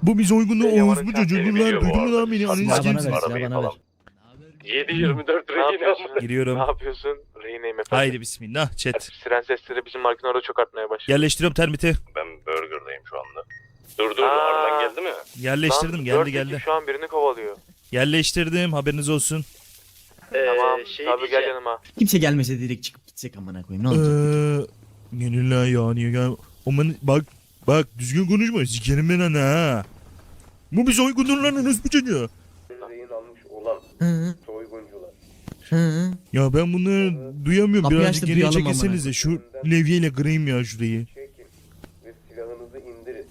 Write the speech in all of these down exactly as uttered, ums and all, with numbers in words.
Bu biz uygunluğu Yaman'ın Oğuz bu çocuğu. çantayı Dur lan biliyor bu duydun mu arada. lan beni? Ananı Silah sikeyim bana seni. ver, silah Arabayı bana ver. falan. yedi yirmi dört Ne rehin yapıyorsun? yaptı. Giriyorum. Ne yapıyorsun? Rehineyim efendim. Haydi bismillah chat. Siren sesleri bizim markın orada çok artmaya başladı. Yerleştiriyorum termiti. Ben Burger'dayım şu anda. Dur dur Aa. aradan geldi mi? Yerleştirdim Lan, geldi dört geldi. ekip şu an birini kovalıyor. Yerleştirdim haberiniz olsun. Ee, tamam. şey Tabii gel diyeceğim. yanıma. Kimse gelmese direkt çıkıp gitsek amına koyayım ne olacak? Eee... Gelirler ya niye gel... Aman bak bak düzgün konuşma sikerim ben ana ha. Bu biz uygundur lan Enes bu çocuğu. Rehin almış olan Hı soyguncular. hı. Ya ben bunları duyamıyorum. Kapıyı Birazcık açtı, geriye duyalım çekilsenize. Şu levyeyle kırayım ya şurayı. Çekin ve silahınızı indirin.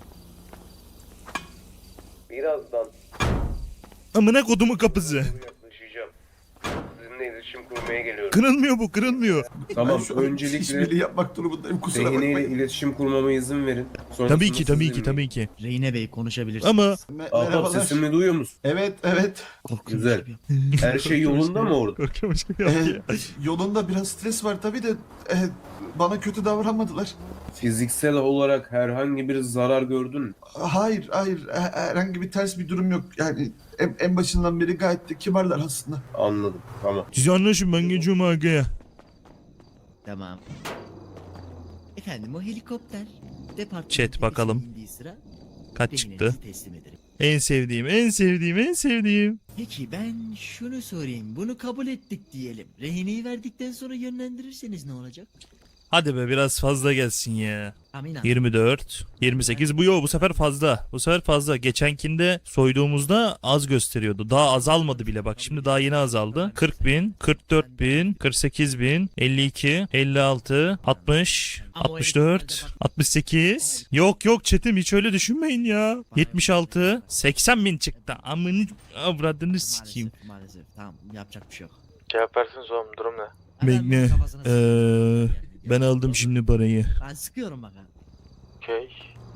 Birazdan Amına kodumun kapısı. yaklaşacağım. Sizinle iletişim kurmaya geliyorum. Kırılmıyor bu kırılmıyor. Tamam, Ben şu an öncelikle işbirliği yapmak durumundayım, kusura rehineyle bakmayın. iletişim kurmama izin verin. Sonrasında Tabii ki tabii siz ki tabii ki. Reyne Bey konuşabilirsiniz. Ama Me- Ahbap merhabalar. sesimi duyuyor musun? Evet, evet. Korkuyormuş Güzel. gibi. Her şey yolunda mı orada? korkuyormuş gibi Ee, yaptı ya. yolunda biraz stres var tabii de e, bana kötü davranmadılar. Fiziksel olarak herhangi bir zarar gördün mü? Hayır, hayır. He- Herhangi bir ters bir durum yok. Yani en, en başından beri gayet de kibarlar aslında. Anladım, tamam. Siz anlaşın ben geçiyorum arkaya. Tamam. Efendim o helikopter departmanın Chat, bakalım. tepesine indiği sıra Kaç rehinenizi çıktı? teslim ederim. En sevdiğim en sevdiğim en sevdiğim. Peki ben şunu sorayım. Bunu kabul ettik diyelim. Rehineyi verdikten sonra yönlendirirseniz ne olacak? Hadi be biraz fazla gelsin ya. Amin abi. yirmi dört, yirmi sekiz bu yo bu sefer fazla. Bu sefer fazla. Geçenkinde soyduğumuzda az gösteriyordu. Daha azalmadı bile bak. Şimdi daha yeni azaldı. kırk bin, kırk dört bin, kırk sekiz bin, elli iki, elli altı, altmış, altmış dört, altmış sekiz. Yok yok chatim hiç öyle düşünmeyin ya. yetmiş altı, seksen bin çıktı. Amını avradını sikeyim. Maalesef, maalesef. Tamam yapacak bir şey yok. Cevap verseniz oğlum durum ne? Hemen Bekle. bunun kafasına Ee, sıkıyorum. ben aldım şimdi parayı. Ben sıkıyorum bak ha. Okey.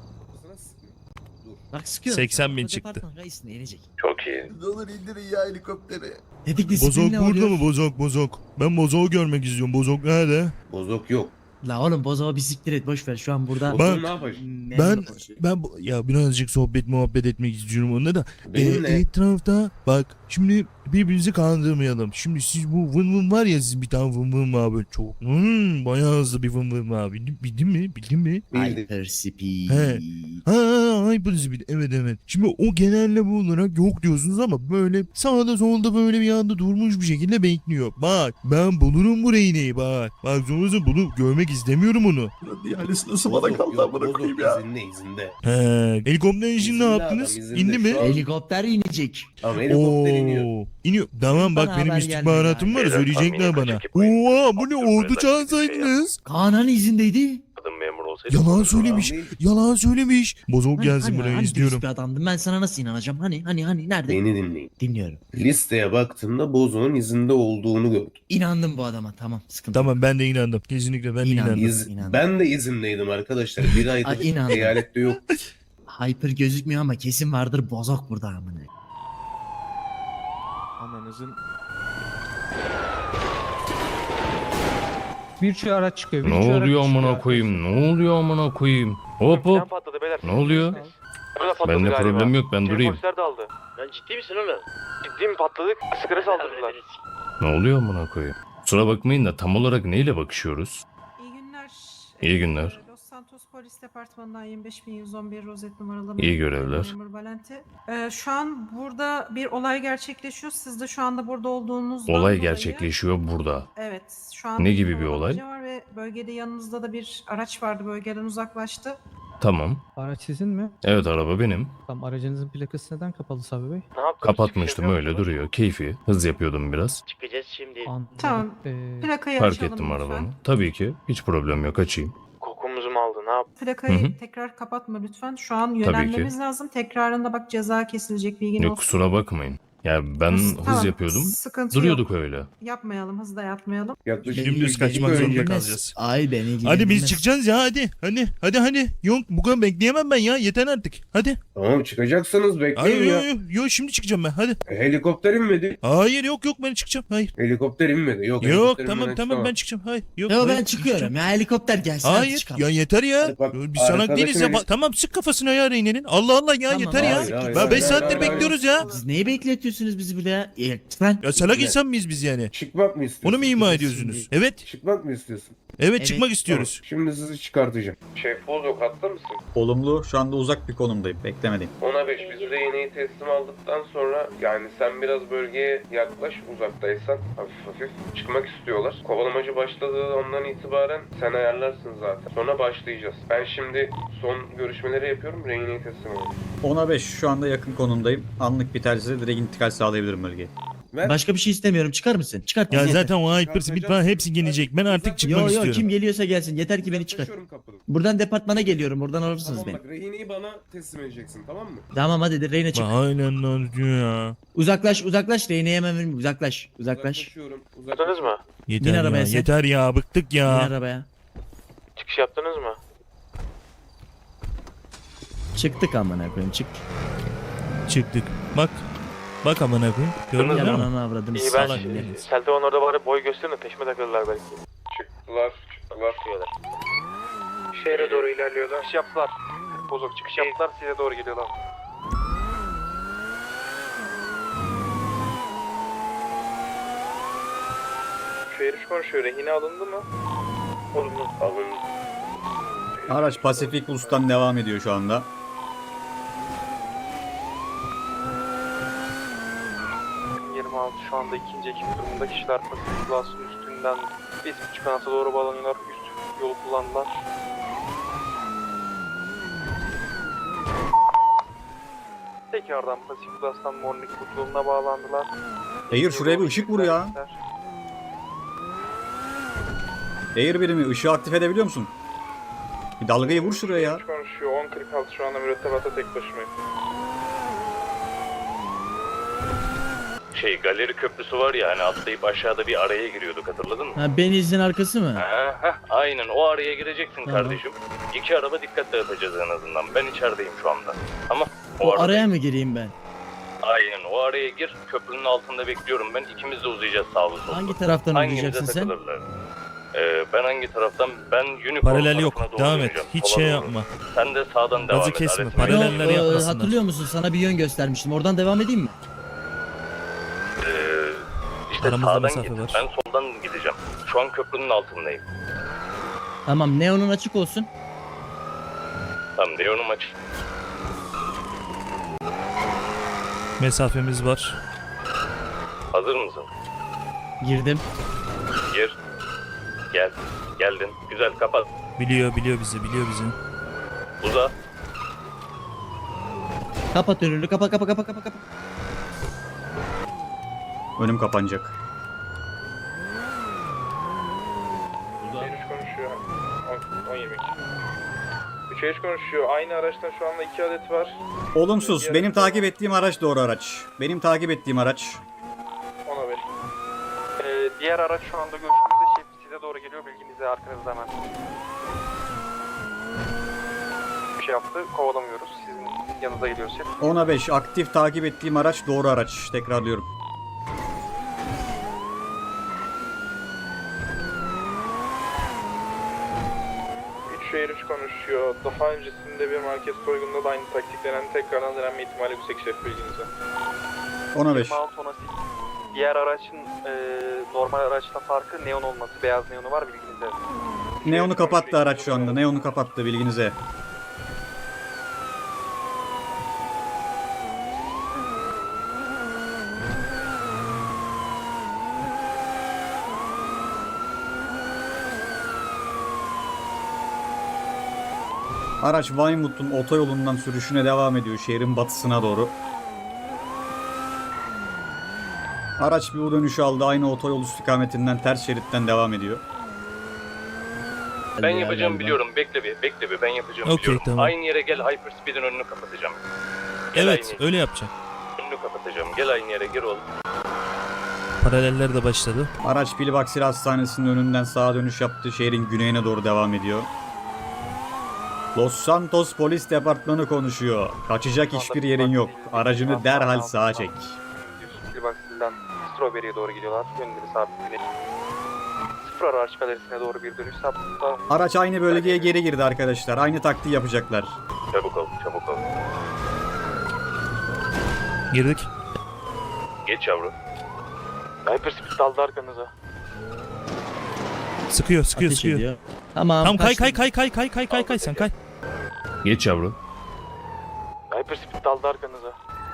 Bak sıkıyorum. seksen bin O çıktı. departman reisine inecek. Çok iyi. Ne olur indirin ya helikopteri. Dedik Bozok disiplinle burada oluyor. mı bozok bozok? Ben bozoğu görmek istiyorum. Bozok nerede? Bozok yok. La oğlum bozağı bir siktir et boş ver şu an burada. Bozok Bak, ne yapacaksın? Ben ben bu- ya birazcık sohbet muhabbet etmek istiyorum onunla da. Benimle. Ee, etrafta bak şimdi birbirimizi kandırmayalım. Şimdi siz bu vın vın var ya siz bir tane vın vın var böyle çok hmm, bayağı hızlı bir vın vın var. Bildin, bildin mi? Bildin mi? Bildim. Hyper speed. He. Ha, ha, ha Hyperspeed. Evet evet. Şimdi o genelleme olarak yok diyorsunuz ama böyle sağda solda böyle bir anda durmuş bir şekilde bekliyor. Bak ben bulurum bu reyneyi bak. Bak sonrasında bunu görmek istemiyorum onu. Buranın ihalesi nasıl bana Bozok kaldı yok, amına bozok koyayım ya. izinde izinde. He. Helikopter için ne İzinde yaptınız? adam, izinde. İndi mi? Şu an- Helikopter inecek. Tamam, helikopter iniyor. Oo, iniyor. Tamam bak Bana benim haber istihbaratım var gelmedi. söyleyecekler Beyler, bana. kaçak yapmayın. Oha bu ne Abdülhamid'den ordu bir şey çağırsaydınız. Kaan'ın izindeydi. Kadın memur olsaydı. Yalan söylemiş. Abi, Yalan söylemiş. Bozok Hani, gelsin hani, buraya hani izliyorum. dürüst bir adamdım ben sana nasıl inanacağım? Hani hani hani nerede? Beni dinleyin. Dinliyorum. Listeye baktığımda Bozok'un izinde olduğunu gördüm. İnandım bu adama tamam sıkıntı yok. Tamam ben de inandım. Kesinlikle ben de İnandım. inandım. İz, İnandım. ben de izindeydim arkadaşlar. Bir Ay, aydır inandım. eyalette yok. Hyper gözükmüyor ama kesin vardır bozok burada amına. Ananızın Bir sürü araç çıkıyor. Bir Ne sürü araç oluyor amına çıkıyor. koyayım? Ne oluyor amına koyayım? Hop Plan hop. patladı beyler. Ne oluyor? Burada patladı Bende galiba. problem yok ben Şey, durayım. Polisler de aldı. Lan ciddi misin oğlum? Ciddi mi patladık? Sıkıra saldırdılar. Ne oluyor amına koyayım? Kusura bakmayın da tam olarak neyle bakışıyoruz? İyi günler. İyi Ee, günler. Los Santos Polis Departmanı'ndan yirmi beş bin yüz on bir rozet numaralı İyi memur- görevler. memur Valente. Ee, şu an burada bir olay gerçekleşiyor. Siz de şu anda burada olduğunuzdan Olay dolayı- gerçekleşiyor burada. Evet. Şu an Ne gibi bir kovalamaca olay? Var ve bölgede yanınızda da bir araç vardı. Bölgeden uzaklaştı. Tamam. Araç sizin mi? Evet araba benim. Tamam, aracınızın plakası neden kapalı Sabri Bey? Ne yaptın? Kapatmıştım öyle duruyor. Keyfi. Hız yapıyordum biraz. Çıkacağız şimdi. Anladım. Tamam. Ee, Plakayı Fark açalım ettim lütfen. arabamı. Tabii ki. Hiç problem yok açayım. Kokumuzu mu aldı? Ne yaptı? Plakayı Hı hı. tekrar kapatma lütfen. Şu an ki. yönelmemiz lazım. Tekrarında bak ceza kesilecek bilgin Yok olsun. kusura bakmayın. Ya ben hız Tamam, yapıyordum. Sıkıntı Duruyorduk yok. öyle. Yapmayalım, hızla yapmayalım. Yaklaşık Dümdüz iki kaçmak dakika zorunda önce- kalacağız. Ay beni ilgilendirmez. Hadi biz çıkacağız ya hadi. Hadi hadi hadi. Yok bu kadar bekleyemem ben ya. Yeter artık. Hadi. Tamam çıkacaksınız Hayır bekleyin yok ya. yok yo, şimdi çıkacağım ben. Hadi. E, Helikopter inmedi. Hayır yok yok ben çıkacağım. Hayır. Helikopter inmedi. Yok, Yok helikopter tamam inmeden tamam çıkamam. ben çıkacağım. Hayır. Yok. Yo hayır, ben çıkıyorum çıkacağım. ya helikopter gelsin. hadi Hayır çıkalım. ya yeter ya. Hadi bak, Biz sana arkadaşım değiliz ya. Enes- Ba- Tamam sık kafasına ya Reyne'nin. Allah Allah ya Tamam, yeter ya. hayır, hayır, Ben hayır, beş hayır, saattir hayır, bekliyoruz ya. Siz neyi bekletiyorsunuz bizi burada ya? Ya, Lütfen. Ya salak insan mıyız biz yani? Çıkmak mı istiyorsun? Onu mu ima ediyorsunuz? Evet. Çıkmak mı istiyorsun? Evet Evet. çıkmak istiyoruz. Tamam, şimdi sizi çıkartacağım. Şef Bozok hatta mısın? Olumlu. Şu anda uzak bir konumdayım. Beklemedim. ona beş biz rehineyi teslim aldıktan sonra yani sen biraz bölgeye yaklaş uzaktaysan hafif hafif çıkmak istiyorlar. Kovalamacı başladığı andan itibaren sen ayarlarsın zaten. Sonra başlayacağız. Ben şimdi son görüşmeleri yapıyorum. Rehineyi teslim alıyorum. ona beş şu anda yakın konumdayım. Anlık bir tercihle direkt intikal sağlayabilirim bölgeye. Ver. Başka bir şey istemiyorum. Çıkar mısın? Çıkart. Ya bizi yeter. zaten o Hyperspeed falan hepsi gelecek. Ben artık çıkmak Yo yo istiyorum. kim geliyorsa gelsin. Yeter ki beni çıkar. Yaklaşıyorum kapıdan. Buradan departmana geliyorum. Buradan alırsınız Tamam beni. bak rehineyi bana teslim edeceksin tamam mı? Tamam hadi de Reyna çık. Aynen lan diyor ya. Uzaklaş uzaklaş. Reyna'ya hemen verin. Uzaklaş. Uzaklaş. Uzaklaşıyorum. Yaptınız mı? Yeter Bin arabaya ya. sen. Yeter ya. Bıktık Bin ya. arabaya. Çıkış yaptınız mı? Çıktık amına koyayım çık. Çıktık. Bak. Bak amına koyayım. Gördün Ya mü? ananı avradını İyi ben salak herif. Seltevan orada bari boy gösterin de peşime takılırlar belki. Çıktılar. Çıktılar. Şehre doğru ilerliyorlar. Çıkış yaptılar. Bozok çıkış yaptılar size doğru geliyorlar. Şu herif konuşuyor. Rehine alındı mı? Olumlu. Alın. Araç Pasifik Ulus'tan devam ediyor şu anda. yirmi altı şu anda ikinci ekip durumunda kişiler Pasifik Ulus'un üstünden İsviçre kanata doğru bağlanıyorlar. Üst yolu kullandılar. Tekrardan Pasifik Ulus'tan Mornik yoluna bağlandılar. Air şuraya bir ışık vur ya. Air birimi ışığı aktif edebiliyor musun? Bir dalgayı vur şuraya ya. Konuşuyor. on kırk altı şu anda mürettebatta tek başımayım. Şey galeri köprüsü var ya hani atlayıp aşağıda bir araya giriyorduk hatırladın mı? Ha Beniz'in arkası mı? Ha, heh, aynen o araya gireceksin Tamam. kardeşim. İki araba dikkat dağıtacağız en azından. Ben içerideyim şu anda. Ama o, O arada- araya mı gireyim ben? Aynen o araya gir. Köprünün altında bekliyorum ben. İkimiz de uzayacağız sağlı sollu. Hangi taraftan Hangimize uzayacaksın sen? takılırlar? Ee, ben hangi taraftan? Ben Unicorn Paralel yok. tarafına doğru Devam et. döneceğim, Hiç sola şey doğru. yapma. Sen de sağdan devam Gazı et. kesme, aletini- paralel- Paraleller Yok, e, yapmasınlar. hatırlıyor musun? Sana bir yön göstermiştim. Oradan devam edeyim mi? Ee, işte Aramızda sağdan mesafe git. var. Ben soldan gideceğim. Şu an köprünün altındayım. Tamam neonun açık olsun. Tamam Leon'um aç. Mesafemiz var. Hazır mısın? Girdim. Gir. Gel. Geldin. Güzel kapat. Biliyor biliyor bizi biliyor bizi. Uza. Kapat önünü. Kapa kapa kapa kapa kapa. Önüm kapanacak. Üç konuşuyor. on yirmi iki. Üç eş konuşuyor. Aynı araçtan şu anda iki adet var. Olumsuz. Benim takip ettiğim araç doğru araç. Benim takip ettiğim araç. ona beş. Ee, diğer araç şu anda görüşümüzde şef size doğru geliyor. Bilginize arkanızda hemen. Bir şey yaptı. Kovalamıyoruz. Sizin yanınıza geliyor şef. ona beş aktif takip ettiğim araç doğru araç. Tekrarlıyorum. üç şehir üç konuşuyor. Daha öncesinde bir market soygununda da aynı taktik denen tekrardan denenme ihtimali yüksek şef bilginize. ona beş. yirmi altı ona sekiz. Diğer aracın e, normal araçla farkı neon olması. Beyaz neonu var bilginize. Neon'u kapattı araç şu anda. Neon'u kapattı bilginize. Araç Weymouth'un otoyolundan sürüşüne devam ediyor şehrin batısına doğru. Araç bir U dönüşü aldı. Aynı otoyol istikametinden ters şeritten devam ediyor. Ben Ya yapacağım galiba. biliyorum. Bekle bir. Bekle bir. Ben yapacağım Okey, biliyorum. tamam. Aynı yere gel. Hyperspeed'in önünü kapatacağım. Gel Evet aynı. öyle yapacak. Önünü Radyo kapatacağım. Gel aynı yere gir oğlum. Paraleller de başladı. Araç Pilbaksir Hastanesi'nin önünden sağa dönüş yaptı. Şehrin güneyine doğru devam ediyor. Los Santos Polis Departmanı konuşuyor. Kaçacak hiçbir yerin yok. Aracını derhal sağa çek. Pilbaksir'den Strawberry'e doğru gidiyorlar. Yönleri sabit güneş. Sıfır araç galerisine doğru bir dönüş yaptı. Araç aynı bölgeye geri girdi arkadaşlar. Aynı taktiği yapacaklar. Çabuk ol, çabuk ol. Girdik. Geç yavrum. Hyperspeed daldı arkanıza. Sıkıyor sıkıyor sıkıyor. Tamam. Tamam kay kay kay kay kay kay kay kay sen kay. Geç yavrum. Hyperspeed daldı arkanıza.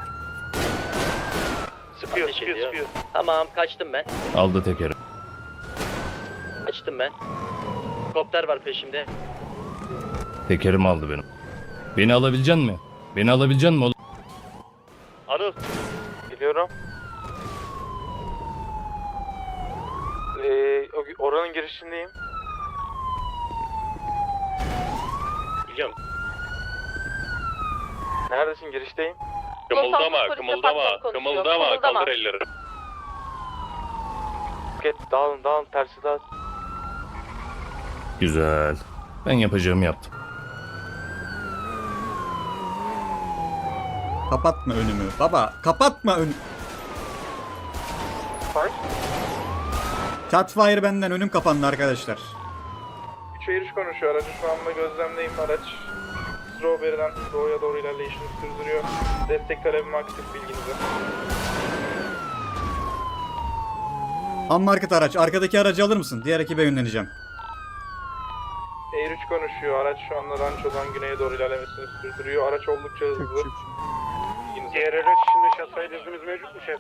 Sıkıyor, sıkıyor, sıkıyor. Tamam, kaçtım ben. Aldı tekeri. Kaçtım ben. Helikopter var peşimde. Tekerimi aldı benim. Beni alabilecek mi? Beni alabilecek mi oğlum? Anıl. Biliyorum. Ee, o- oranın girişindeyim. Biliyorum. Neredesin? Girişteyim. Kımıldama, kımıldama, kımıldama, kaldır elleri. Git dağılın dağılın tersi dağıl. Güzel. Ben yapacağımı yaptım. Kapatma önümü. Baba kapatma ön... Fire. Catfire benden, önüm kapandı arkadaşlar. üç üç konuşuyor. Aracı şu anda gözlemdeyim. Araç Strawberry'den doğuya doğru ilerleyişini sürdürüyor. Destek talebim aktif, bilginize. Unmarked araç. Arkadaki aracı alır mısın? Diğer ekibe yönleneceğim. Air üç konuşuyor. Araç şu anda Rancho'dan güneye doğru ilerlemesini sürdürüyor. Araç oldukça hızlı. Diğer araç içinde şasayla hızımız mevcut mu şef?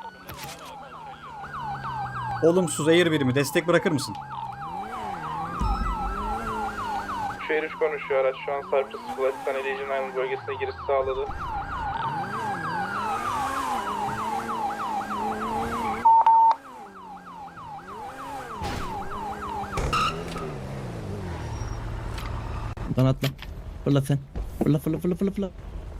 Olumsuz Air birimi. Destek bırakır mısın? üç üç konuşuyor. Araç şu an Cypress Flight'tan Elysian Island bölgesine giriş sağladı. Buradan atla. Fırla sen. Fırla fırla fırla fırla fırla.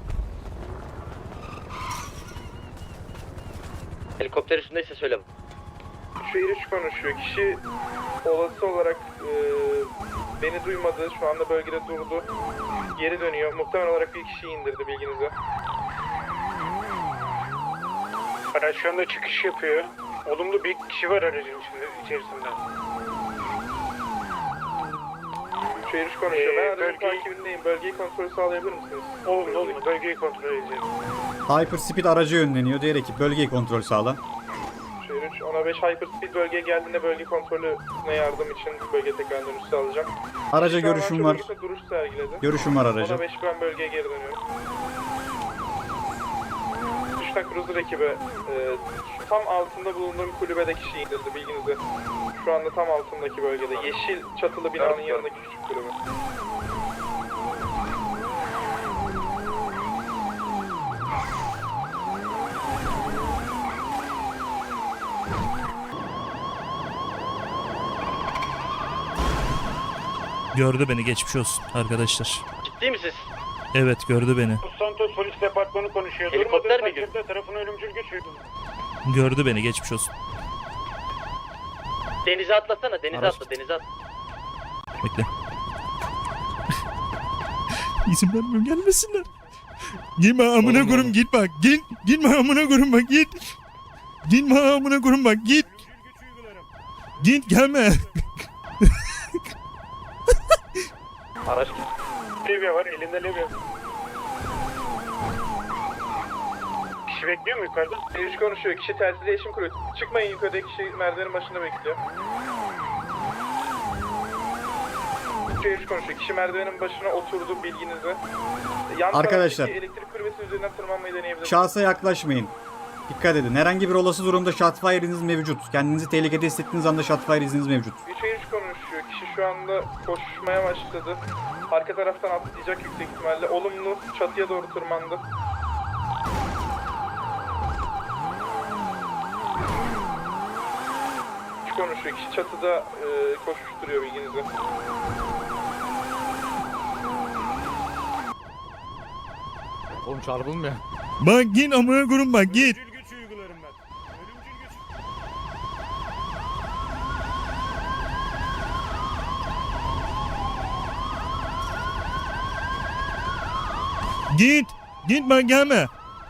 Helikopter üstündeyse söyle. üç üç konuşuyor. Kişi olası olarak e, beni duymadı. Şu anda bölgede durdu. Geri dönüyor. Muhtemelen olarak bir kişiyi indirdi, bilginize. Araç şu anda çıkış yapıyor. Olumlu bir kişi var aracın içinde, içerisinde. üç üç konuşuyor. Ben aracın takibindeyim. Bölgeyi kontrol sağlayabilir misiniz? Olumlu olumlu. Bölgeyi kontrol edeceğiz. Hyperspeed aracı yönleniyor. Diğer ekip bölgeyi kontrol sağla. üç ona beş Hyperspeed bölgeye geldiğinde bölge kontrolüne yardım için bölge tekrar dönüş sağlayacak. Araca Şu an görüşüm Rancho var. bölgesinde duruş sergiledi. Görüşüm var araca. ona beş ben bölgeye geri dönüyorum. Düşten Cruiser ekibi e, tam altında bulunduğum kulübede kişi indirdi, bilginize. Şu anda tam altındaki bölgede. Yeşil çatılı binanın yanındaki küçük kulübe. Gördü beni, geçmiş olsun arkadaşlar. Ciddi misiniz? Evet gördü beni. Santos Polis Departmanı konuşuyor. Helikopter mi girdi? Tarafına ölümcül geçiyor. Gördü beni, geçmiş olsun. Denize atlasana, denize Araç- atla, denize at. Bekle. İzin vermiyorum, gelmesinler. Gitme amına koyayım, git bak. Git. Gitme amına koyayım bak, git. Gitme amına koyayım bak, git. Git, gelme. Araç Levye var, elinde levye. Kişi bekliyor mu yukarıda? üç konuşuyor. Kişi telsiz iletişim kuruyor. Çıkmayın yukarıdaki kişi merdivenin başında bekliyor. üç konuşuyor. Kişi merdivenin başına oturdu, bilginize. Yan Arkadaşlar. taraftaki elektrik kulübesi üzerinden tırmanmayı deneyebilirsiniz. Şahsa yaklaşmayın. Dikkat edin. Herhangi bir olası durumda shotfire izniniz mevcut. Kendinizi tehlikede hissettiğiniz anda shotfire izniniz mevcut. üç üç konuşuyor. Kişi şu anda koşmaya başladı. Arka taraftan atlayacak yüksek ihtimalle. Olumlu çatıya doğru tırmandı. üç konuşuyor. Kişi çatıda e, koşuşturuyor, bilginize. Oğlum çarpılmıyor. Bak git amına koyayım bak, git. Git. Git ben gelme.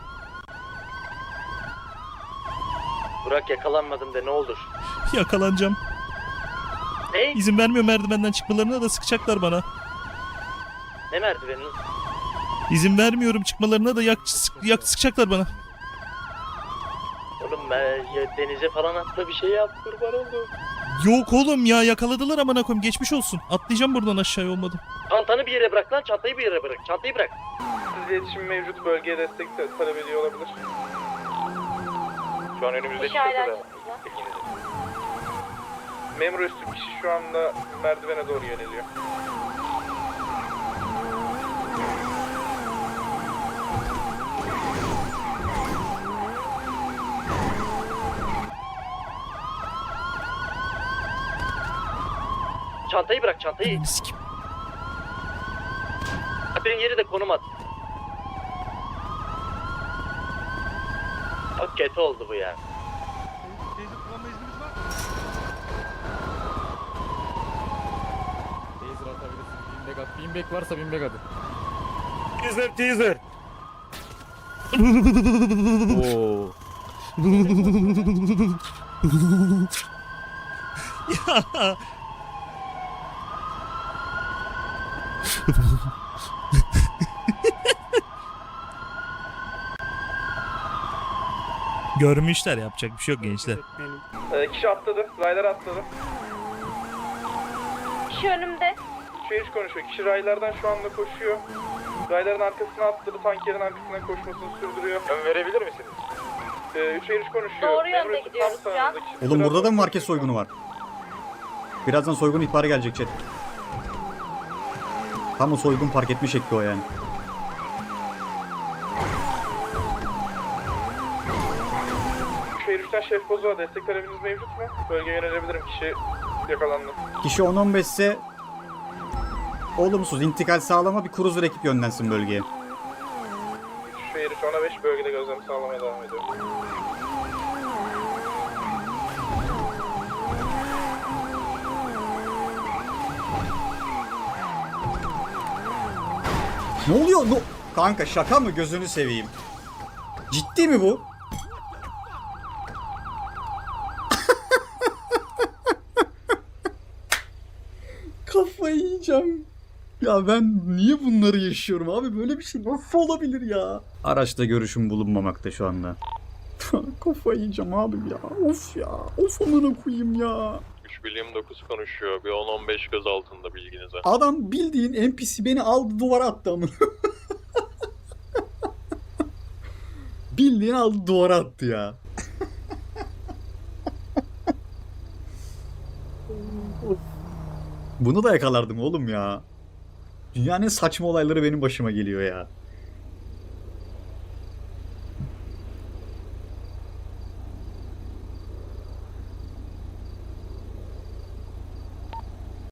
Burak yakalanmadım de ne olur. Yakalanacağım. Ne? İzin vermiyor merdivenden çıkmalarına da sıkacaklar bana. Ne merdiveni? İzin vermiyorum çıkmalarına da yak, yak sıkacaklar bana. Oğlum ben ya denize falan atla bir şey yap kurban oldum. Yok oğlum ya yakaladılar amına koyayım geçmiş olsun. Atlayacağım buradan aşağıya olmadı. Çantanı bir yere bırak lan çantayı bir yere bırak. Çantayı bırak. Siz iletişim mevcut, bölgeye destek de talep ediyor olabilir. Şu an önümüzde İki aylar. Memur üstü kişi şu anda merdivene doğru yöneliyor. Çantayı bırak çantayı. Ananı sikeyim. Benim yeri de konum at. Çok kötü oldu bu ya. Binbek varsa binbek hadi. Teaser teaser. Oo. Ya. Görmüşler yapacak bir şey yok gençler. Ee, kişi atladı, raylar atladı. Kişi önümde. Şehir konuşuyor. Kişi raylardan şu anda koşuyor. Rayların arkasına atladı, tankerin arkasından koşmasını sürdürüyor. Ön verebilir misiniz? Ee, üç şehir konuşuyor. Doğru yönde Memur üstü gidiyoruz tam şu an. sağınızda kişi Oğlum sıra- burada da mı market soygunu var? Birazdan soygun ihbarı gelecek chat. Tam o soygun park etme şekli o yani. Şehir üçten Şef Bozuğa destek talebiniz mevcut mu? Bölgeye yönelebilirim. Kişi yakalandı. Kişi on on beş ise olumsuz intikal sağlama bir cruiser ekip yönlensin bölgeye. Şehir üç ona beş bölgede gözlem sağlamaya devam ediyor. Ne oluyor? No Kanka şaka mı gözünü seveyim? Ciddi mi bu? Kafayı yiyeceğim. Ya ben niye bunları yaşıyorum abi? Böyle bir şey nasıl olabilir ya? Araçta görüşüm bulunmamakta şu anda. Kafayı yiyeceğim abi ya. Of ya. Of amına koyayım ya. üç bir yirmi dokuz konuşuyor. Bir on on beş göz altında bilginize. Adam bildiğin N P C beni aldı duvara attı amına. Bildiğin aldı duvara attı ya. Bunu da yakalardım oğlum ya. Dünyanın en saçma olayları benim başıma geliyor ya.